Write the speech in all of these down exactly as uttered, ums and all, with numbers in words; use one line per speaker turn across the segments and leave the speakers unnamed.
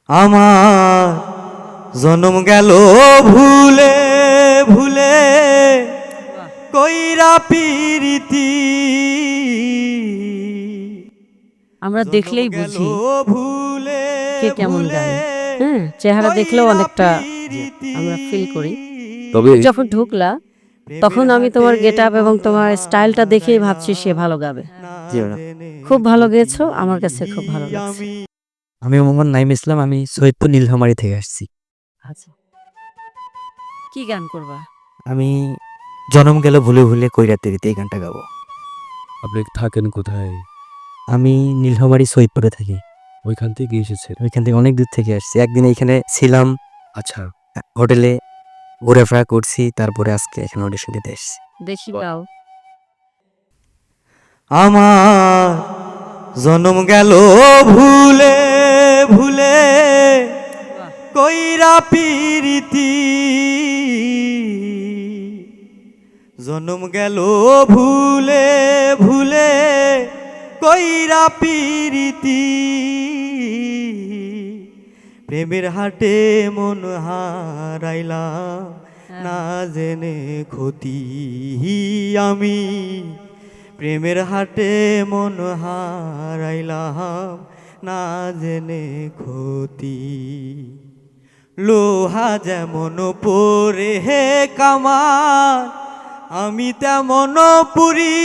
আমার জনম গেল ভুলে ভুলে কইরা পিরিতি
আমরা দেখলেই বুঝি
ভুলে
কে কেমন গায়। হ্যাঁ, চেহারা দেখলেও অনেকটা আমরা ফিল করি।
তবে
যখন ঢুকলা তখন আমি তোমার গেট আপ এবং তোমার স্টাইলটা দেখেই ভাবছি সে ভালো গাবে।
জি ম্যাডাম।
খুব ভালো গেয়েছো, আমার কাছে খুব ভালো লাগছে।
আমি মোহাম্মদ নাইম ইসলাম, আমি সৈয়দপুর নীলফামারী থেকে আসছি।
আচ্ছা, কি গান করবা?
আমি জনম গেল ভুলে ভুলে কৈরাতেরিতে এই গানটা গাবো।
আপনি থাকেন কোথায়?
আমি নীলফামারী সৈয়দপুরে থাকি।
ওইখান থেকে এসেছেন?
ওইখান থেকে অনেক দূর থেকে আসছি। একদিন এখানে ছিলাম,
আচ্ছা,
হোটেলে ঘোরাফেরা করছি, তারপরে আজকে এখানে অডিশন দিতে এসেছি।
দেখি গাও।
আমার জনম গেল ভুলে ভুলে কইরা পিরিতি জনম গেল ভুলে ভুলে কইরা পিরিতি প্রেমের হাটে মন হারাইলাম না জেনে ক্ষতি আমি প্রেমের হাটে মন হারাইলাম না জেনে ক্ষতি লোহা যেমন পরে হে কামার আমি তেমন পুরি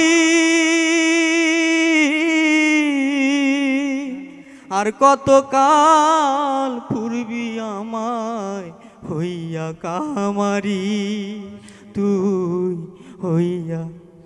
আর কত কাল পূর্বি আমায় হইয়া কামারি তুই হইয়া।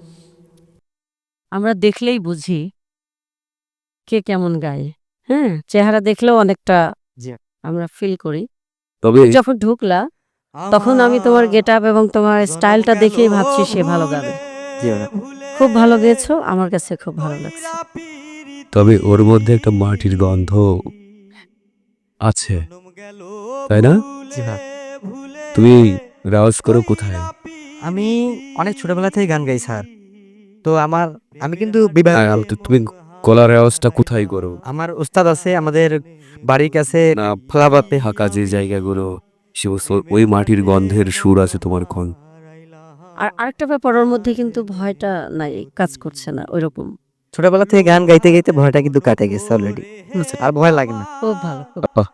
আমরা দেখলেই বুঝি কে কেমন গায়। হ্যাঁ, চেহারা দেখলেও অনেকটা
জি।
আমরা ফিল করি।
তবে
যখন ঢুকলা তখন আমি তোমার গেট আপ এবং তোমার স্টাইলটা দেখেই ভাবছি সে ভালো গাবে।
জি ম্যাডাম।
খুব ভালো গেয়েছো, আমার কাছে খুব ভালো লাগছে।
তবে ওর মধ্যে একটা মাটির গন্ধ আছে, তাই না?
জি ভাই।
তুমি রেওয়াজ করো কোথায়?
আমি অনেক ছোটবেলা থেকে গান গাই স্যার। তো আমার আমি কিন্তু বিভাগ
আর আম- তো তুমি গলার রেওয়াজটা কোথায় করো?
আমার উস্তাদ আছে আমাদের বাড়ির কাছে
না,
ফলাবাতে।
ফাঁকা যে জায়গাগুলো, সে ও- ওই মাটির গন্ধের সুর আছে তোমার কোন?
আর আরেকটা ব্যাপার, ওর মধ্যে কিন্তু ভয়টা নাই, কাজ করছে না ওইরকম।
ছোটবেলা থেকে গান গাইতে গাইতে ভয়টা কিন্তু কাটে গেছে অলরেডি, আর ভয় লাগে না।
খুব ভালো, খুব
আহ,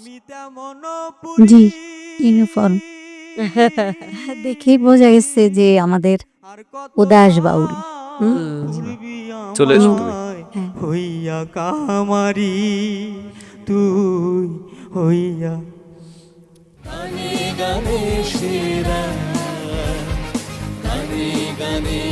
জি, ইউনিফর্ম দেখেই বোঝা গেছে যে আমাদের উদাস বাউল। হুম?
চলে এসো তুমি।
হ্যাঁ।
হইয়া কামারি তুই হইয়া গানে গানে সেরা গানে গানে